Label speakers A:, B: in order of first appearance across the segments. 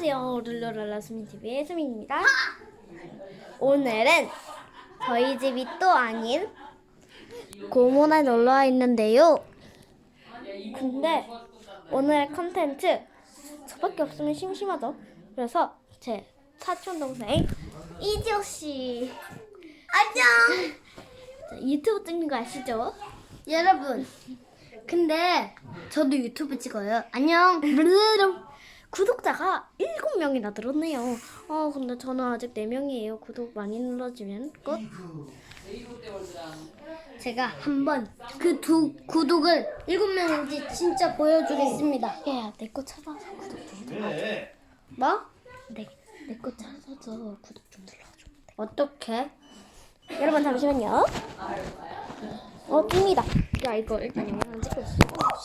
A: 안녕하세요. 룰루랄라 수민TV의 수민입니다. 오늘은 저희 집이 또 아닌 고모네 놀러와 있는데요. 근데 오늘의 컨텐츠 저밖에 없으면 심심하죠. 그래서 제 사촌동생 이지호씨 안녕! 유튜브 찍는 거 아시죠?
B: 여러분, 근데 저도 유튜브 찍어요. 안녕.
A: 구독자가 7명이나 늘었네요. 근데 저는 아직 4명이에요. 구독 많이 눌러주면 끝.
B: 제가 한번 그 두 구독을 7명인지 진짜 보여주겠습니다.
A: 야, 내 거 찾아서 구독 좀 눌러줘.
B: 뭐?
A: 내 거 찾아서 구독 좀 눌러줘.
B: 어떻게?
A: 여러분 잠시만요. 뜹니다. 야, 이거 일단 영상 찍고 있어.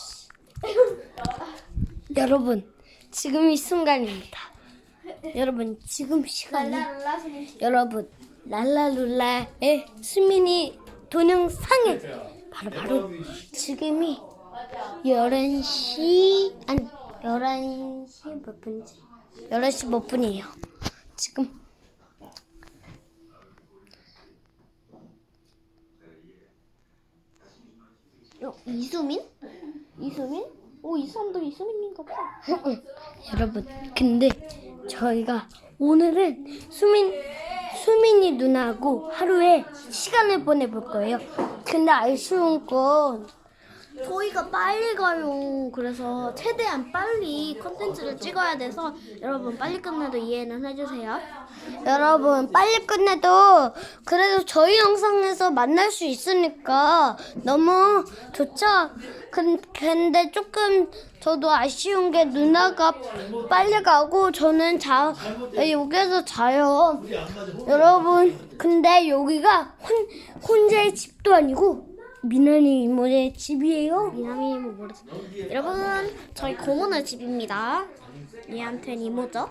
B: 여러분, 지금 이 순간입니다. 여러분, 지금 시간이 여러분, 랄라룰라의 수민이 동영상에 바로 지금이 11시 몇 분이지? 11시 몇 분이에요. 지금
A: 이수민? 이수민? 이 사람도 이수민인가 봐.
B: 여러분, 근데 저희가 오늘은 수민이 누나하고 하루에 시간을 보내볼 거예요. 근데 아쉬운 건
A: 저희가 빨리 가요. 그래서 최대한 빨리 컨텐츠를 찍어야 돼서 여러분 빨리 끝내도 이해는 해주세요.
B: 여러분 빨리 끝내도 그래도 저희 영상에서 만날 수 있으니까 너무 좋죠? 근데 조금 저도 아쉬운 게 누나가 빨리 가고 저는 여기서 자요. 여러분 근데 여기가 혼자의 집도 아니고 미나리 이모의 집이에요.
A: 미남이 이모 모르죠. 여러분 저희 고모네 집입니다. 얘한테는 이모죠.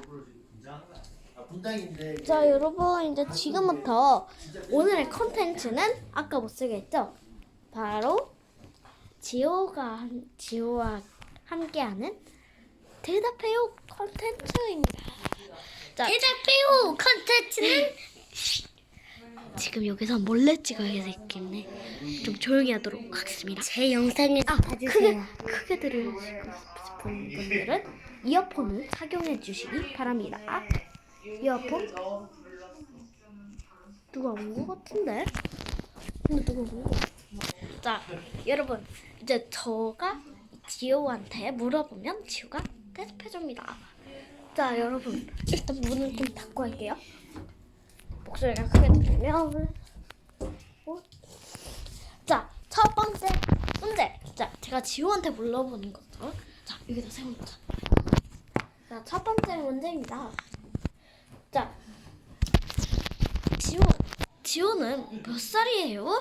A: 자 여러분 이제 지금부터 오늘의 컨텐츠는 아까 못 쓰겠죠? 바로 지호와 함께하는 대답해요 컨텐츠입니다. 자,
B: 대답해요 컨텐츠는
A: 지금 여기서 몰래 찍어야겠네. 좀 조용히 하도록 하겠습니다.
B: 제 영상에 봐주세요.
A: 크게 들으시고 싶은 분들은 이어폰을 착용해 주시기 바랍니다. 이어폰? 누가 온 것 같은데? 근데 누가 온 거? 자, 여러분 이제 저가 지호한테 물어보면 지호가 대답해줍니다. 자, 여러분 일단 문을 좀 닫고 할게요. 목소리가 크게 들리면 자, 첫 번째 문제. 자, 제가 지호한테 물어보는 거죠. 자, 여기다 세워놓자. 자, 첫 번째 문제입니다. 자, 지호는 몇 살이에요?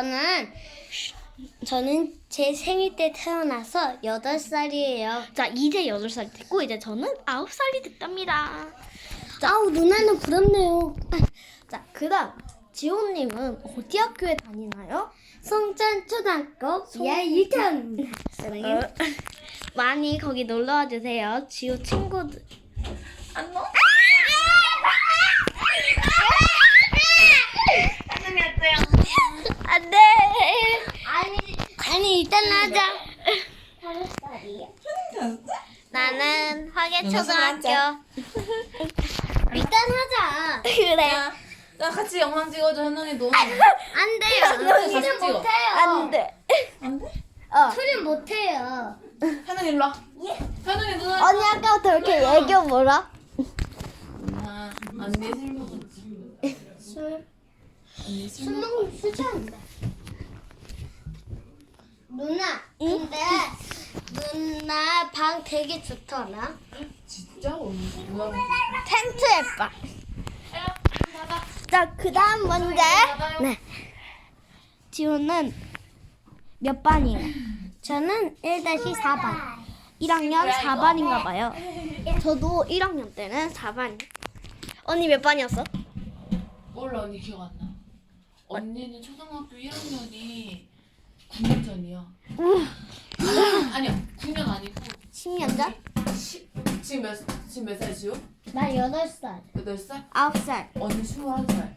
B: 저는 제 생일 때 태어나서 8살이에요.
A: 자, 이제 8살이 됐고 이제 저는 9살이 됐답니다.
B: 아우 누나는 부럽네요.
A: 자, 그다음 지호님은 어디 학교에 다니나요?
B: 송전초등학교 이하 1편.
A: 많이 거기 놀러와 주세요. 지호 친구들.
C: 안녕?
A: 안 돼.
B: 아니 일단 하자.
A: 나는 화계초등학교.
B: 일단 하자.
A: 그래.
C: 야, 같이 영상 찍어줘, 현웅이 너.
B: 안 돼요.
C: 같이
B: 둘은
C: 찍어.
B: 못해요.
A: 안 돼.
C: 안 돼?
B: 둘은 못해요.
C: 현웅이 일로 와. 현웅이 누나.
A: 언니 아까부터 이렇게 얘기해 뭐라?
C: 아, 언니 술 먹었지. 언니 술
B: 술 먹으면 수저한다. 누나, 근데 누나 방 되게 좋더라.
C: 진짜? 언니 누나.
A: 텐트에 빠. 자, 그다음 문제. 네. 지호는 몇 반이에요?
B: 저는 1-4반.
A: 1학년 4반인가 봐요. 저도 1학년 때는 4반. 언니 몇 반이었어?
C: 몰라, 언니 기억 안 나. 언니는 초등학교 1학년이 9년 전이야. 아니야, 9년 아니고
A: 10년 전?
C: 10, 지금 몇 살, 지우?
B: 나 8살.
C: 8살?
A: 9살.
C: 언니 21살.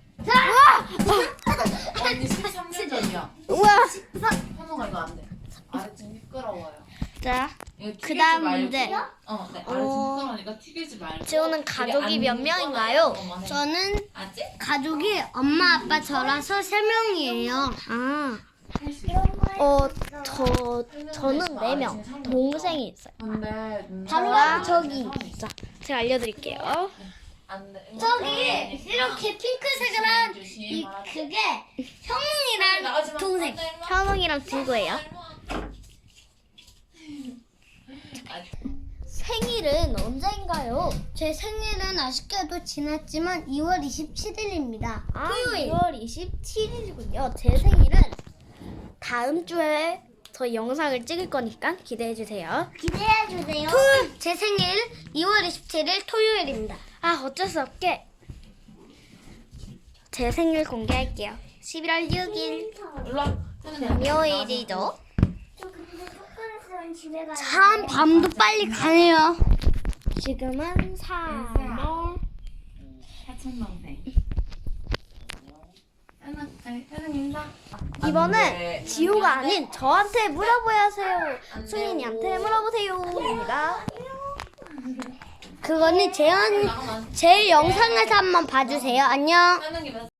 C: 언니 13년 전이야.
A: 우와.
C: 현우가 이거 안 돼. 아래 좀 미끄러워요.
A: 자,
C: 이거 튀기지
A: 그다음
C: 말고.
A: 문제.
C: 네, 아래 좀 미끄러우니까 튀기지 말고.
A: 지호는 가족이 몇 명인가요?
B: 저는
C: 아직?
B: 가족이 엄마, 아빠, 저라서 3명이에요.
A: 아, 저는 4명. 동생이 있어요.
C: 근데
B: 바로 저기.
A: 자, 제가 알려드릴게요.
C: 안 돼.
B: 저기 이렇게 핑크색을 한 그게 형이랑 동생.
A: 현웅이랑 친구예요. 생일은 언제인가요?
B: 제 생일은 아쉽게도 지났지만 2월 27일입니다.
A: 아,
B: 토요일.
A: 2월 27일이군요. 제 생일은 다음 주에 저 영상을 찍을 거니까 기대해 주세요.
B: 기대해 주세요. 제 생일 2월 27일 토요일입니다.
A: 아, 어쩔 수 없게 제 생일 공개할게요. 11월 6일 금요일이죠.
B: 참 밤도 빨리 가네요.
A: 지금은 3월
C: 사촌동생. 현우 인사.
A: 이번엔 지호가 아닌 저한테 물어봐야 하세요. 승인이한테 물어보세요입니다.
B: 그거는 제 영상에서 한번 봐주세요. 안녕.
C: 현우이 몇